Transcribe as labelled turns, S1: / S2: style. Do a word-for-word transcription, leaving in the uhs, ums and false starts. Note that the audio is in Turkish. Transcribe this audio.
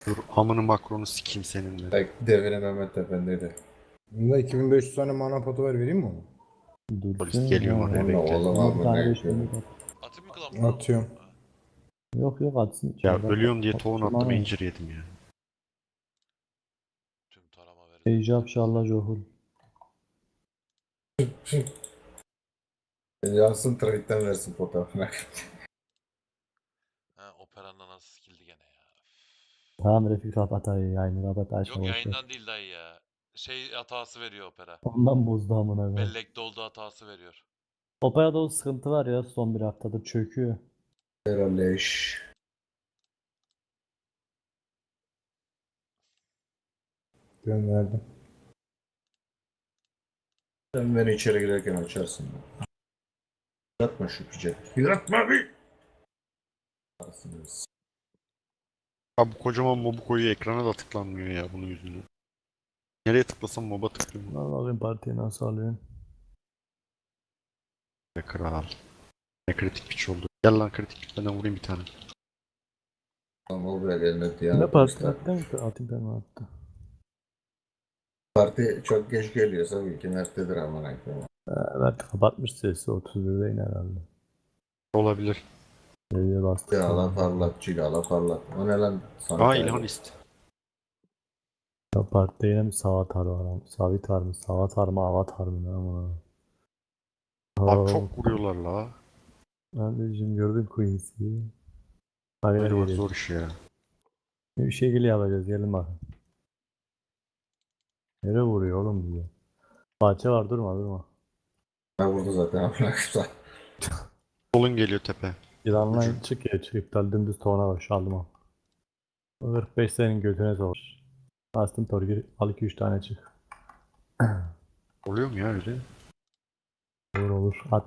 S1: Dur amını makronu sikeyim seninle.
S2: Bak devine Mehmet Efendi'ydi.
S3: Bunda iki bin beş yüz tane mana potu var, vereyim mi onu?
S1: Polis geliyor oraya
S2: Onunla
S1: bekle.
S2: oğlum
S4: Ama bir
S2: abi
S4: tane
S2: ne
S4: beş
S2: yapıyor?
S4: binlik at.
S5: Atayım mı klan?
S3: Atıyorum.
S4: Yok yok atsın.
S1: Ya
S4: içeride.
S1: ölüyorum diye tohum attım
S4: Mana.
S1: incir yedim ya.
S5: Tüm tarama verdim.
S4: Ecap şallah johul.
S2: Yansın trade'den versin fotoğrafını.
S5: Ha operanla nasıl skilldi gene ya.
S4: Tamam Refik kapat ayı yayını kapat açma
S5: Yok
S4: boş ver.
S5: yayından değil dayı ya. Şey hatası veriyor opera.
S4: Ondan bozdu amına koyayım.
S5: Bellek doldu hatası veriyor.
S4: Operada o sıkıntı var ya son bir haftadır çöküyor.
S2: Herhalleş.
S3: Gönderdim.
S2: Sen beni içeri girerken açarsın. Yatma şu pice. Yatma bir. Arsınız.
S1: Abi bu kocaman mobu koyuyor ekrana da tıklanmıyor ya bunun yüzünden. Nereye tıklasam moba tıklıyorum.
S4: Lan bakayım partiyi nasıl alıyorsun.
S1: Be kral. Ne kritik piç oldu. Gel lan kritik benden vurayım bir tane.
S2: Ama o böyle eline diyen
S4: Ne parti
S2: atmışlar.
S4: attın mı? Atayım ben mi attı?
S2: Parti çok geç geliyorsa bil ki merttedir aman koyayım.
S4: Evet kapatmış sesi otuz birde iner herhalde.
S1: Olabilir.
S4: Geriye bastık.
S2: Cilala parlat, cilala parlat. O ne lan? Sana
S1: Aa
S2: kaydı.
S1: İlhan ist.
S4: Ya partide yine bir Savatar var ama. Savitar mı? Savatar mı? Avatar mı? Ne ama?
S1: Abi çok vuruyorlar la.
S4: Kardeşim gördün Queens'i. Hadi
S1: Böyle var
S4: gel
S1: zor iş ya.
S4: Bir şekilde yapacağız gelin bakın. Nereye vuruyor oğlum bize? Bahçe var durma durma.
S2: Ben vurdu zaten aman koyayım.
S1: Solun geliyor tepe.
S4: Yılanla çık ya çık iptal dümdüz tavana koş aldım al. kırk beş senin götüne savaş. Bastım torgir al iki üç tane çık.
S1: Oluyor mu ya öyle?
S4: Olur olur at.